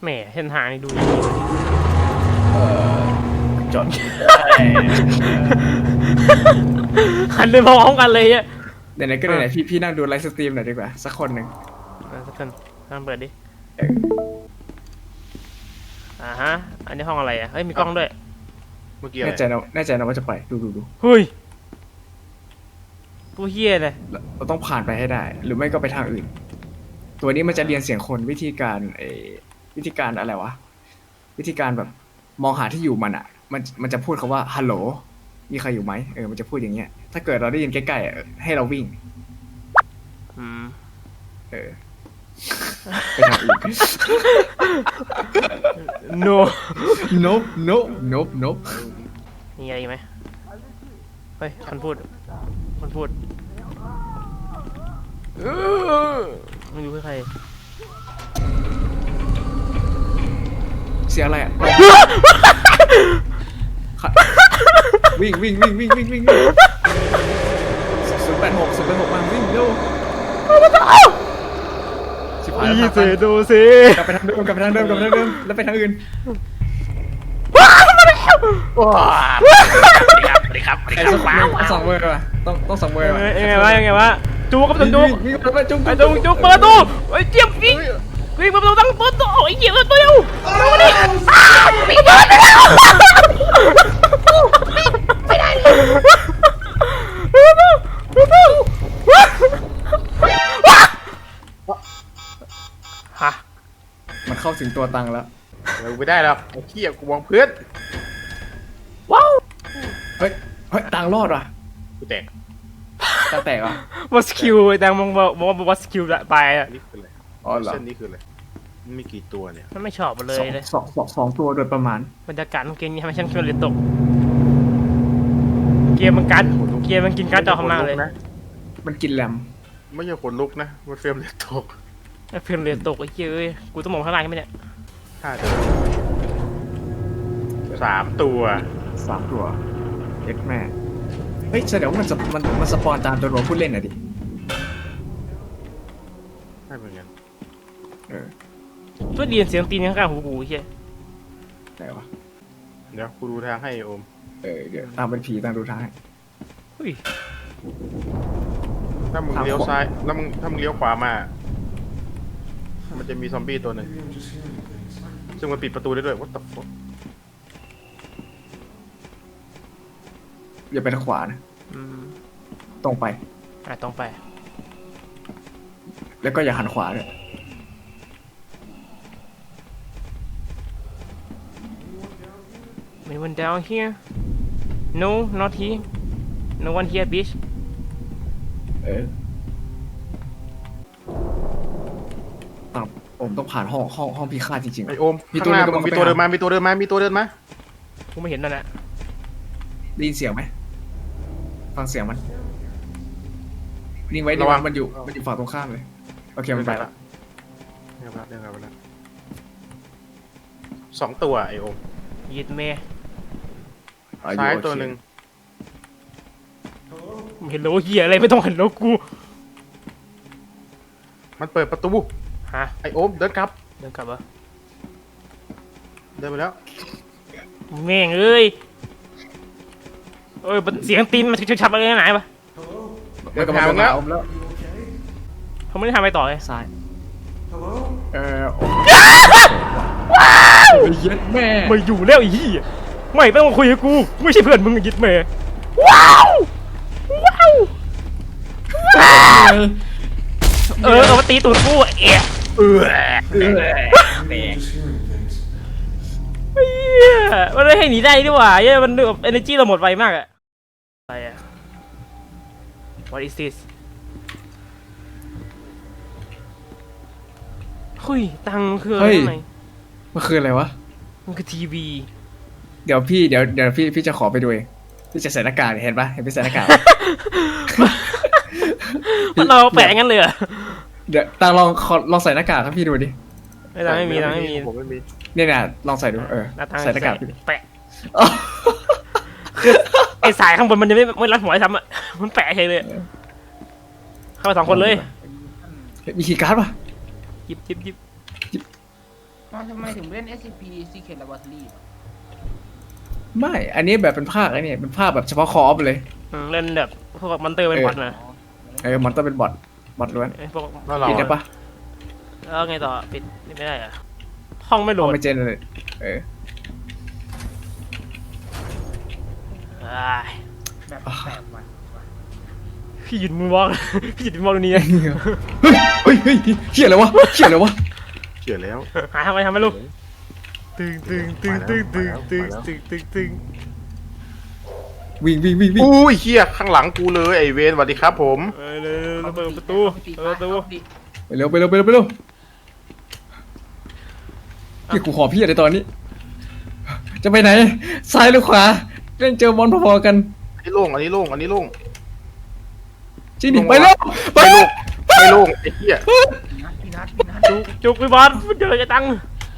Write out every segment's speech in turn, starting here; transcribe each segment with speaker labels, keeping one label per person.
Speaker 1: แหมเส้นทางนี่ดู
Speaker 2: จอด
Speaker 1: หันไปมองพร้อมกันเลยเนี่ย
Speaker 2: ไหนๆก็ไหนๆพี่นั่งดูไลฟ์สตรีมหน่อยดีกว่าสักคนหนึ่ง
Speaker 1: สักคนลองเปิดดิฮะอันนี้ห้องอะไรอ่ะเฮ้ยมีกล้องด้วย
Speaker 3: เมื่อกี้อะไร
Speaker 2: แน่ใจนะว่าจะไปดู
Speaker 1: เฮ้ยผู้เฮี้ยเลย
Speaker 2: เราต้องผ่านไปให้ได้ หรือไม่ก็ไปทางอื่น ตัวนี้มันจะเรียนเสียงคนวิธีการอะไรวะวิธีการแบบมองหาที่อยู่มันอ่ะมันจะพูดคำว่าฮัลโหลมีใครอยู่ไหมมันจะพูดอย่างเงี้ยถ้าเกิดเราได้ยินใกล้ๆให้เราวิ่งไปทางอื่น
Speaker 1: no
Speaker 2: nope
Speaker 1: มีอะไรไหมเฮ้ยคนพูดไม่รู้ใคร
Speaker 2: เสียงอะไรอ่ะ วิ่ง086มาวิ่งเร็วชิบหายแล้ว
Speaker 1: ดูสิ
Speaker 2: กลับไปทางเดิมแล้วไปทางอื่น
Speaker 3: ว้าสวัสดีครับ
Speaker 2: สองเวอร์ป่ะต้องสองเวอร์ป่ะ
Speaker 1: ยังไงวะจูกับจุก
Speaker 2: วิ่งไปจุก
Speaker 1: ไอ้จุกเปิดประตูไอ้เจี๊ยบวิ่งเปิดประตูตั้งต้นโอ้ยเจี๊ยบเปิดประตูเร็วดิไม่ได้แล้วไม่ได้ฮะ
Speaker 2: มันเข้าถึงตัวตังแล้ว
Speaker 3: เราไม่ได้แล้วไอ้เหี้ยกูมองเพื่อน
Speaker 1: ว้าว
Speaker 2: เฮ้ยตังรอดว่ะ
Speaker 3: กูแตก
Speaker 2: ตังแตกว่ะ
Speaker 1: วัสคิวแต่มองว่าวัสคิวไปอ่ะ
Speaker 3: นี่คืออะไร
Speaker 2: อ๋อเหรอ
Speaker 3: เส้นนี้คืออะไรมันมีกี่ตัวเนี่ย
Speaker 1: มันไม่ชอบมันเลยเลย
Speaker 2: สองตัวโดยประมาณ
Speaker 1: บรรยากาศของเกมนี้ทำให้ฉันคิดว่าเลยตกเกมมันกินการ์ดจอข้างหน้าเลย
Speaker 3: นะ
Speaker 2: มันกินแรม
Speaker 3: ไม่ใช่ขนลุกนะมันเฟรมเลยตก
Speaker 1: เพื่อนเลยตกไอ้เหี้ยเอ้ยกูต้องมองข้างล่างกันไหมเนี่ย
Speaker 3: 5 ตัว3 ตัว
Speaker 2: 3 ตัวเอ็กแม่เฮ้ยแสดงว่ามันสปอนตามตัวรวมผู้เล่นอ่ะดิ
Speaker 3: ใช่เหมือนกัน
Speaker 1: เพื่อเรียนเสียงตีนข้างๆหูกูไอ้เหี้ย
Speaker 2: ไหนวะ
Speaker 3: เดี๋ยวกูดูทางให้โอม
Speaker 2: เดี๋ยวตามเป็นผีตามดูทางให้
Speaker 1: เฮ้ย
Speaker 3: ถ้ามึงเลี้ยวซ้ายแล้วถ้ามึงเลี้ยวขวามามันจะมีซอมบี้ตัวหนึ่งซึ่งมันปิดประตูได้ด้วย what the fuck
Speaker 2: อย่าไปทางขวานะตรงไป
Speaker 1: ตรงไป
Speaker 2: แล้วก็อย่าหันขวาเลย
Speaker 1: Anyone down here No not here No one here bitch
Speaker 2: ผมต้องผ่านห้องพิฆาตจริงๆ
Speaker 3: ไอโอม
Speaker 2: มี
Speaker 3: ข้างหน้า
Speaker 2: ตัว
Speaker 3: มีตัวเดินมามีตัวเดินมา
Speaker 1: กูไม่เห็นนั่นแหละ
Speaker 2: ได้ยินเสียงไหมฟังเสียงมันนิ่งไว้มันอยู่ฝั่งตรงข้ามเลยโอเคมันไปละ
Speaker 3: เรื่องอะไร2 ตัวไอโอม
Speaker 1: ยิดเมย์
Speaker 3: ซ้ายตัวหนึ่ง
Speaker 1: เห็นโลเหี้ยอะไรไม่ต้องเห็นโลกู
Speaker 3: มันเปิดประตู
Speaker 1: ฮะ
Speaker 3: ไอโอมเดินกลับ
Speaker 1: เดินกลับวะ
Speaker 3: เดินไปแล้ว
Speaker 1: แม่งเอ้ยเสียงตีนมันชับอะไรไหนปะ
Speaker 2: เดี๋ยวกลับมาแล้ว
Speaker 1: เขาไม่ได้ทำอะไรต่อเลย
Speaker 2: ซ้ายเย็ดแม่
Speaker 1: ไม่อยู่แล้วไอ้เหี้ยไม่ต้องมาคุยกับกูไม่ใช่เพื่อนมึงยิดเมย์ว้าวเอามาตีตูดกูเอ๊ะมันไม่ให้หนีได้ดีกว่าเย้มันแบบ energy เราหมดไวมากอะอะไรอะ What is this เฮ้ยตังคืออะไรข้างใน
Speaker 2: มันคืออะไรวะ
Speaker 1: มันคือทีวี
Speaker 2: เดี๋ยวพี่จะขอไปดูเองพี่จะใส่หน้ากากเห็นปะเห็นพี่ใส่หน้ากาก
Speaker 1: มันเราแปะงั้นเลยเหรอ
Speaker 2: เดี๋ยวตาลองใส่หน้ากากให้พี่ดูดิ
Speaker 1: ไม่มี
Speaker 3: ผมไม่มี
Speaker 2: เนี่ยนะลองใส่ดูใส่หน้ากาก
Speaker 1: แปะคือไอสายข้างบนมันจะไม่รัดหัวไอ้ซ้ำอ่ะมันแปะเฉยเลยเข้าไป2 คนเลย
Speaker 2: มีคีย์การ์ดปะ
Speaker 1: หยิบ
Speaker 4: ทำไมถึงเล่น SCP Secret Laboratory
Speaker 2: ไม่ อันนี้แบบเป็นภาคไอ้นี่เป็นภาคแบบเฉพาะคอร์ฟเลย
Speaker 1: เล่นแบบพวกมอนเตอร์เป็นบอทนะ
Speaker 2: มันต้องเป็นบอทล้วน
Speaker 1: ไอ้พวก
Speaker 3: แล้วเรา
Speaker 2: ปิดได้ปะ
Speaker 1: แล้วไงต่อปิดไม่ได้อะห้องไม่โหล
Speaker 2: เอา
Speaker 1: ด
Speaker 2: ไม่เจนเลยเออ
Speaker 1: อ้าย
Speaker 4: แบบแปลกว่ะ
Speaker 1: พี่หยุดมือวอก พี่หยุดมือวอกตรงนี้นะ
Speaker 2: เฮ้ยเฮียอะไรวะเฮียอะไรวะ
Speaker 3: เชื่อแล้ว
Speaker 1: หาทำไมลูกตึงตึง
Speaker 2: วิ่ง
Speaker 3: อุ้ยเฮียข้างหลังกูเลยไอเวนสวัสดีครับผม
Speaker 1: เลยเปิดประตู
Speaker 2: ไปเร็วเฮียกูขอพี่อะไรตอนนี้ จะไปไหน ซ้ายหรือขวาเล่นเจอมอนพอๆกัน
Speaker 3: อันนี้โล่งอันนี้โล่ง
Speaker 2: จริงดิไปเร็วไป
Speaker 3: ไม่โล่งไอ้เฮีย
Speaker 4: พี่นัท
Speaker 1: จุกพี่บอลเจอจะตัง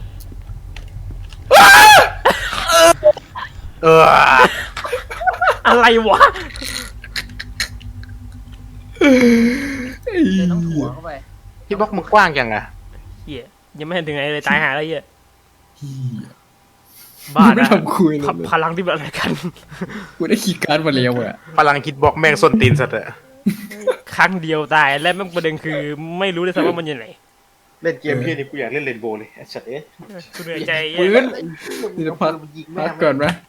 Speaker 1: อะไรวะ
Speaker 4: เดินต้องหัวเข้าไป
Speaker 3: ที่บล็อกมึงกว้างจังอะ
Speaker 1: เหี้ยยังไม่เห็นถึงไหนเลยตายหาแล้วเหี้ย
Speaker 2: เฮีย
Speaker 1: บ้า
Speaker 2: ไม่
Speaker 1: นะ
Speaker 2: ทำคุยเลย
Speaker 1: พลังที่เป็นอะไรกัน
Speaker 2: กูได้ขี่การ์ดมาเร็วอ่ะ
Speaker 3: พลังคิดบล็อกแม่งส้นตีนสัตว์อะ
Speaker 1: ครั้งเดียวตายและแม่งประเด็นคือไม่รู้เลยซ้ำว่ามันอยู่ไหน
Speaker 3: เล่นเกมพี่นี่กูอยากเล่นเรนโบว์เลยไอ้สัตว์เอ๊ะ
Speaker 1: กูเหนื่อยใจ
Speaker 2: ปืนนี่จะพักก่อนไหม